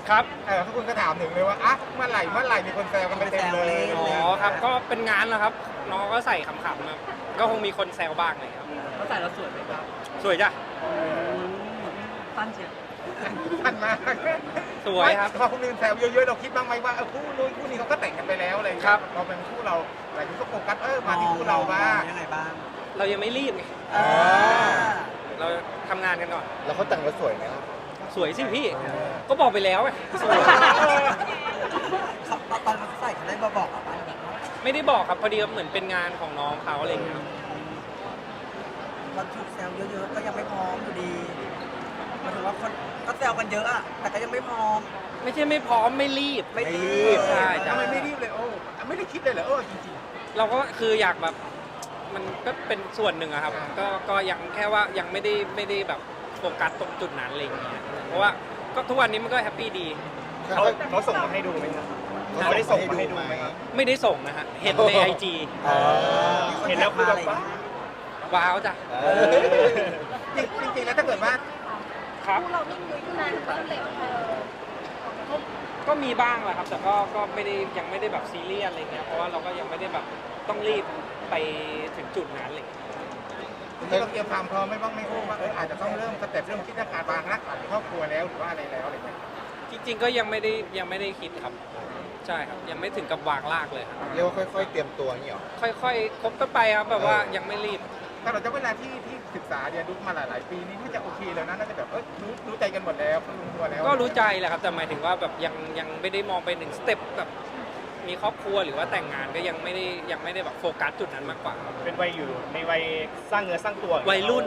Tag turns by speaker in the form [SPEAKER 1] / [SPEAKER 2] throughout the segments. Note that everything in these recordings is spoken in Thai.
[SPEAKER 1] ครับ
[SPEAKER 2] ทุกคนก็ถามถึงเลยว่าอ่ะเมื่อไหร่มีคนแซวกันไปเต็มเลย
[SPEAKER 1] อ๋อครับก็เป็นงานแล้วครับน้องก็ใส่ขำๆครับก็คงมีคนแซวบ้างเลยครับ
[SPEAKER 3] เขาใส่แล้วสวยไหมครับ
[SPEAKER 1] สวยจ้ะ
[SPEAKER 3] สั้นเชียว
[SPEAKER 2] ทันมาก
[SPEAKER 1] สวยครับ
[SPEAKER 2] พอคนอื่นแซวเยอะๆเราคิดบ้างไหมว่าคู่นู้นคู่นี้เขาก็แต่งกันไปแล้วอะไรอย่างเงี้ยเราเป็นคู่เราหลายคนก็โฟกัสมาที่คู่เราบ้าง
[SPEAKER 3] ยังไงบ้าง
[SPEAKER 1] เรายังไม่รีบไงเราทำงานกันก่อน
[SPEAKER 4] แล้วเขาแต่งแล้วสวยไหมครับ
[SPEAKER 1] สวยสิพี่ ก็บอกไปแล้วไงสวย
[SPEAKER 3] ตอนเขาใส่เขาได้มาบอกอ่ะบ้าง
[SPEAKER 1] ไม่ได้บอกครับพอดีเหมือนเป็นงานของน้องเขาอะไรอย่างเงี้ยครับ
[SPEAKER 3] เราถูกแซวเยอะๆก็ยังไม่พร้อมอยู่ดีหมายถึงว่าคนก็แซวกันเยอะอะแต่ก็ยังไม่พร้อม
[SPEAKER 1] ไม่ใช่ไม่พร้อมไม่รีบ
[SPEAKER 3] ไม่รีบ
[SPEAKER 1] ใช่จ้ะ
[SPEAKER 2] ทำไมไม่รีบเลยไม่ได้คิดเลยเหรอจริง
[SPEAKER 1] เราก็คืออยากแบบมันก็เป็นส่วนหนึ่งอะครับก็ยังแค่ว่ายังไม่ได้แบบโฟกัสตรงจุดนั้นอะไรอย่างเงี้ยเพราะว่าก็ทุกวันนี้มันก็แฮปปี้ดี
[SPEAKER 2] เขาส่งมาให้ดูไหมครับเขาได้ส่งมาให้ดูไหมครับ
[SPEAKER 1] ไม่ได้ส่งนะฮะเห็นในไอจี
[SPEAKER 2] เห็นแล้วคือแบบว่า
[SPEAKER 1] ว้าวจ้ะ
[SPEAKER 2] จริงๆแล้วถ้าเกิดว่า
[SPEAKER 1] ครับ
[SPEAKER 5] เรานิ่งลุยขึ้นมาเริ่มเร็ว
[SPEAKER 1] ก็มีบ้างแหละครับแต่ก็ไม่ได้ยังไม่ได้แบบซีเรียสอะไรเงี้ยเพราะว่าเราก็ยังไม่ได้แบบต้องรีบไปถึงจุดนั้นเลย
[SPEAKER 2] ที่เราเตรียมความพร้อมไม่บ้างไม่รู้ว่าอาจจะต้องเริ่มสเต็ปเรื่องคิดเรื่องการวางรากฐานในครอบครัวแล้วหรือว่าอะไรแล้วอะไรเงี้ย
[SPEAKER 1] จริงๆก็ยังไม่ได้คิดครับใช่ครับยังไม่ถึงกับวางรากเลยครับ
[SPEAKER 4] เรียกว่าค่อยๆเตรียมตัวนี่หรอ
[SPEAKER 1] ค่อยๆคบกันไปครับแบบว่ายังไม่รีบ
[SPEAKER 2] ถ้าเราจะเวลาที่ศึกษาเรียนรู้มาหลายๆปีนี้น่าจะโอเคแล้วนะน่าจะแบบรู้ใจกันหมดแล้วรู้ตัวแล้ว
[SPEAKER 1] ก็รู้ใจแหละครับแต่หมายถึงว่าแบบยังไม่ได้มองไปหนึ่งสเต็ปแบบมีครอบครัวหรือว่าแต่งงานก็ยังไม่ได้แบบโฟกัสจุดนั้นมากกว่า
[SPEAKER 6] เป็นวัยอยู่ในวัยสร้างเนื้อสร้างตัว
[SPEAKER 1] วัยรุ่น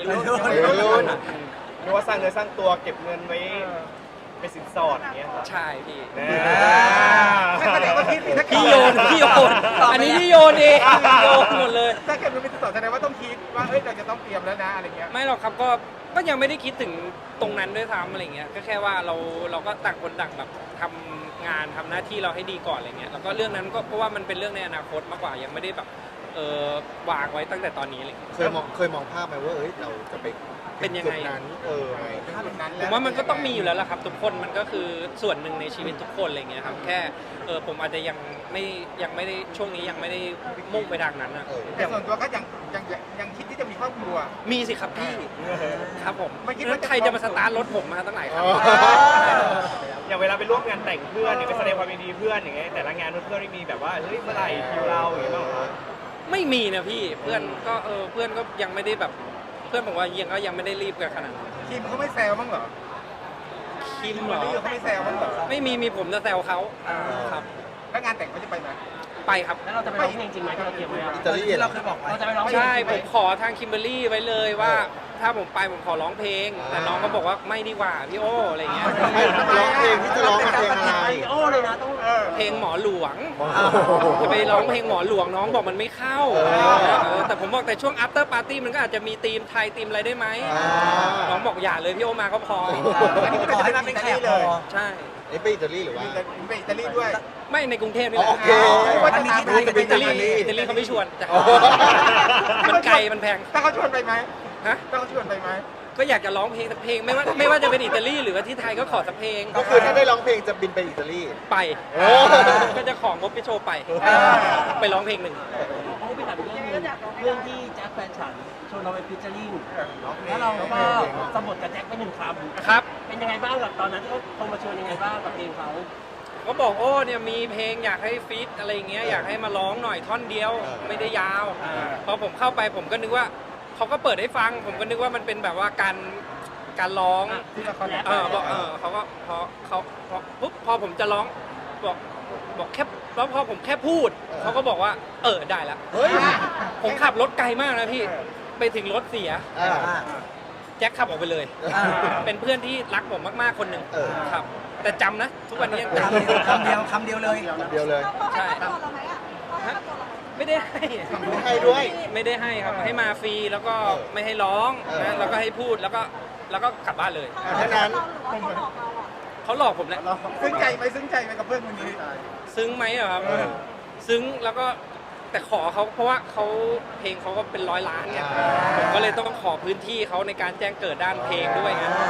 [SPEAKER 6] หรือว่าสร้างเนื้อสร้างตัวเก็บเงินไว้เป็นสินสอดอย่างเงี้ยครับ
[SPEAKER 1] ใช่พี่
[SPEAKER 2] แสดงว่าคิดถ้า
[SPEAKER 1] พี่โยนอันนี้พี่โยนเองโยนหมดเลย
[SPEAKER 2] ถ้าเกิดมันเป็นต่อแสดงว่าต้องคิดว่าเราจะต้องเตรียมแล้วนะอะไรเงี้ย
[SPEAKER 1] ไม่หรอกครับก็ยังไม่ได้คิดถึงตรงนั้นด้วยซ้ำอะไรเงี้ยก็แค่ว่าเราก็ต่างคนต่างแบบทำงานทำหน้าที่เราให้ดีก่อนอะไรเงี้ยแล้วก็เรื่องนั้นก็เพราะว่ามันเป็นเรื่องในอนาคตมากกว่ายังไม่ได้แบบวางไว้ตั้งแต่ตอนนี้เลย
[SPEAKER 4] เคยมองภาพไหมว่าเราจะไป
[SPEAKER 1] เป็นยังไง
[SPEAKER 4] จุดนั้นไหม
[SPEAKER 1] ผมว่ามันก็ต้องมีอยู่แล้วล่ะครับทุกคนมันก็คือส่วนหนึ่งในชีวิตทุกคนอะไรเงี้ยครับแค่ผมอาจจะยังไม่ได้ช่วงนี้ยังไม่ได้มุ่งไปทางนั้นนะ
[SPEAKER 2] แต่ส่วนตัวก็ยังคิดที่จะมีครอบครัว
[SPEAKER 1] มีสิครับพี่ครับผม
[SPEAKER 2] ไม่คิดว่าจะ
[SPEAKER 1] ใครจะมาสตาร์ทรถผมมาตั้งหลายครั้ง
[SPEAKER 6] อย่างเวลาไปร่วมงานแต่งเพื่อนเนี่ยไปแสดงความยินดีเพื่อนอย่างเงี้ยแต่ละงานเพื่อนไม่มีแบบว่าเฮ้ยเมื่อไหร่คิวเราอย่างเงี้ยบ้างเหรอ
[SPEAKER 1] ไม่มีนะพี่เพื่อนก็ยังไม่ได้แบบเพื่อนบอกว่ายังไม่ได้รีบกันขนาดนั้น
[SPEAKER 2] คิมเขาไม่แซวบ้างเหรอ
[SPEAKER 1] คิมเหรอ
[SPEAKER 2] เขาไม่แซวบ้างเหรอ
[SPEAKER 1] ไม่มีผมจะแซวเขาครับ
[SPEAKER 2] แล้วงานแต่งเขาจะไปไหม
[SPEAKER 1] ไปครับ
[SPEAKER 3] แล้วเราจะไปร้องเพลงจริงไหมที่เราเตรียมไว้
[SPEAKER 4] อิตาลี
[SPEAKER 3] ที่เราเคยบอกไว้เราจะไปร้องเพลง
[SPEAKER 1] ใช่ผมขอทางคิมเบอรรี่ไว้เลยว่า ถ้าผมไปผมขอร้องเพลง แต่น้องก็บอกว่าไม่ดีกว่าพี่โออะไรเงี้ย
[SPEAKER 4] ไม่ร้องเพลงที่จะร้องเพลงอะไร
[SPEAKER 3] โอ้เลยนะต้อง
[SPEAKER 1] เพลงหมอหลวงจะไปร้องเพลงหมอหลวงน้องบอกมันไม่เข้าแต่ผมบอกแต่ช่วง after party มันก็อาจจะมีธีมไทยธีมอะไรได้ไหมน้องบอกอย่าเลยพี่โอมาก็พอ
[SPEAKER 3] ขอให้มาเป็นแขกพอ
[SPEAKER 1] ใช่
[SPEAKER 4] นี่ไปอิตาลีหรือว่า
[SPEAKER 2] ไปอิตาลีด้วย
[SPEAKER 1] ไม่ในกรุงเทพนี่แหละ
[SPEAKER 4] โอเค
[SPEAKER 3] มันมีที่ไทยกับ
[SPEAKER 1] อิตาลีเขาไม่ชวนจ้ะมันไกลมันแพง
[SPEAKER 2] ถ้าเขาชวนไปไหม
[SPEAKER 1] ฮะ
[SPEAKER 2] ถ้าเขาชวนไปไหม
[SPEAKER 1] ก็อยากจะร้องเพลงสักเพลงไม่ว่าจะเป็นอิตาลีหรือว่าที่ไทยก็ขอสักเพลง
[SPEAKER 4] ก็คือถ้าได้ร้องเพลงจะบินไปอิตาลี
[SPEAKER 1] ไป
[SPEAKER 4] โอ้
[SPEAKER 1] ก็จะของงบพี่โชว์ไปร้องเพลงหนึ่ง
[SPEAKER 3] โอ้ไปถามเรื่องนึงเรื่องที่แจ็คแฟนฉันชวนเราไปฟิชเจอริ่งแล้วเราก็สมบทกับแจ็คไปหนึ่งคำ
[SPEAKER 1] ครับ
[SPEAKER 3] เป็นยังไงบ้างกับตอนนั้นที่เขาโทรมาชวนยังไงบ้างกับเพลงเขา
[SPEAKER 1] ก็บอกโอ้เนี่ยมีเพลงอยากให้ฟีดอะไรเงี้ยอยากให้มาร้องหน่อยท่อนเดียวไม่ได้ยาวพอผมเข้าไปผมก็นึกว่าเขาก็เปิดให้ฟัง ผมก็นึกว่ามันเป็นแบบว่าการร้องบอกเขาก็พอผมจะร้องบอกแค่แล้วพอผมแค่พูดเขาก็บอกว่าได้แล้ว
[SPEAKER 4] เฮ้ย
[SPEAKER 1] ผมขับรถไกลมากนะพี่ไปถึงรถเสีย
[SPEAKER 4] อ่า
[SPEAKER 1] แจ็คขับออกไปเลย เป็นเพื่อนที่รักผมมากๆคนหนึ่ง ครับ แต่จำนะ ทุกวันนี้ยังจำ
[SPEAKER 3] คำเดียวเลย
[SPEAKER 4] เดียวเลย
[SPEAKER 5] เขาให้ตัวเราไหมอ่ะเขาให้ตัวเราไหม
[SPEAKER 1] ไม่ได้ให้
[SPEAKER 4] ไม่ให้ด้วย
[SPEAKER 1] ไม่ได้ให้ครับ ให้มาฟรีแล้วก็ไม่ให้ร้องนะแล้วก็ให้พูดแล้วก็กลับบ้านเลย
[SPEAKER 4] แค่นั้น
[SPEAKER 5] เขาหลอกเราอ่ะ
[SPEAKER 1] เขาหลอกผมแหละ
[SPEAKER 2] ซึ้งใจไหมกับเพื่อนคนนี้
[SPEAKER 1] ซึ้งไหมอะครับ ซึ้งแล้วก็แต่ขอเขาเพราะว่าเขาเพลงเขาก็เป็น100 ล้านเนี่ยผมก็เลยต้องขอพื้นที่เขาในการแจ้งเกิดด้านเพลงด้วยไง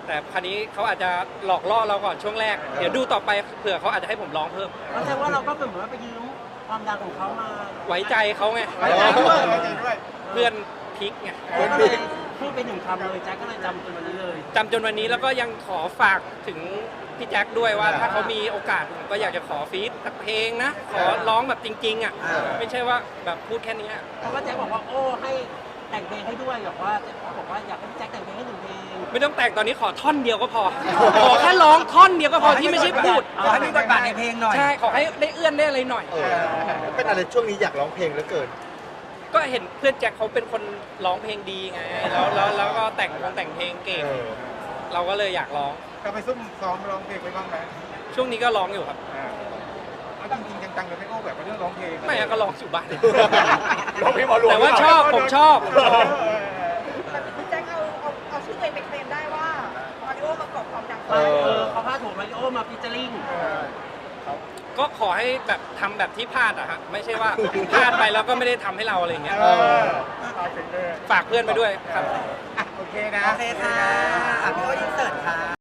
[SPEAKER 1] แต่คราวนี้เขาอาจจะหลอกล่อเราก่อนช่วงแรก เดี๋ยวดูต่อไปเผื่อเขาอาจจะให้ผมร้องเพิ่ม
[SPEAKER 3] แสดงว่าเราก็เหมือนว่าไปยืมความดังของเขามา
[SPEAKER 1] ไว้ใจเขาไง
[SPEAKER 2] ไว้ใจด้วยไว้ใจด้วย
[SPEAKER 1] เพื่อนพลิกไง
[SPEAKER 3] ก็เลยพูดไปหนึ่งคำเลยแจ็คก็เลยจำจนวันนี้เลย
[SPEAKER 1] จำจนวันนี้แล้วก็ยังขอฝากถึงพี่แจ็คด้วยว่าถ้าเขามีโอกาสผมก็อยากจะขอฟีดสักเพลงนะ ขอร้องแบบจริงๆอ่ะไม่ใช่ว่าแบบพูดแค่นี้
[SPEAKER 3] เพราะว่าแจ็คบอกว่าโอ้ให้แต่งเพลงให้ด้วยบอกว่าแจ็คบอกว่าอยากให้พี่แจ็คแต่งเพลงให้หนึ่งเพลง
[SPEAKER 1] ไม่ต้องแต่งตอนนี้ขอท่อนเดียวก็พอ ขอแค่ร้องท่อนเดียวก็พอที่ไม่ใช่พูด
[SPEAKER 3] ขอให้มีบทบาทในเพลงหน่อย
[SPEAKER 1] ใช่ขอให้ได้เอื้อนได้อะไรหน่อย
[SPEAKER 4] เป็นอะไรช่วงนี้อยากร้องเพลงเหลือเกิน
[SPEAKER 1] ก็เห็นเพื่อนแจ็คเขาเป็นคนร้องเพลงดีไงแล้วก็แต่งเพลงเก่ง เราก็เลยอยากร้อง
[SPEAKER 2] ก็ไปซุ่มซ้อมร้องเพลงไปบ้างไหม
[SPEAKER 1] ช่วงนี้ก็ร้องอยู่ครับ
[SPEAKER 2] เอาจริงๆจังๆเลยไม่โอ้แบบเรื่องร้องเพลง
[SPEAKER 1] ไม่อะก็ร้องอยู่บ้าน
[SPEAKER 6] ร้องเพลงหมอหลวง
[SPEAKER 1] แต่ว่าชอบผมชอบ
[SPEAKER 5] แต่พี่แจ็คเอาชื่อตัวเองไปเคลมได้ว่ามาริโอประกอบความดัง
[SPEAKER 3] เขาพาดหัวมาริโอมาฟิชเจอริ่ง
[SPEAKER 1] ก็ขอให้แบบทำแบบที่พลาดอะฮะไม่ใช่ว่าพลาดไปแล้วก็ไม่ได้ทำให้เราอะไรอย่างเงี้ย
[SPEAKER 2] เอาถึงเลย
[SPEAKER 1] ฝากเพื่อนไปด้วยครับ
[SPEAKER 2] โอเคนะ
[SPEAKER 3] โอเคค่ะพี่โอ้อินเสิร์ตค่ะ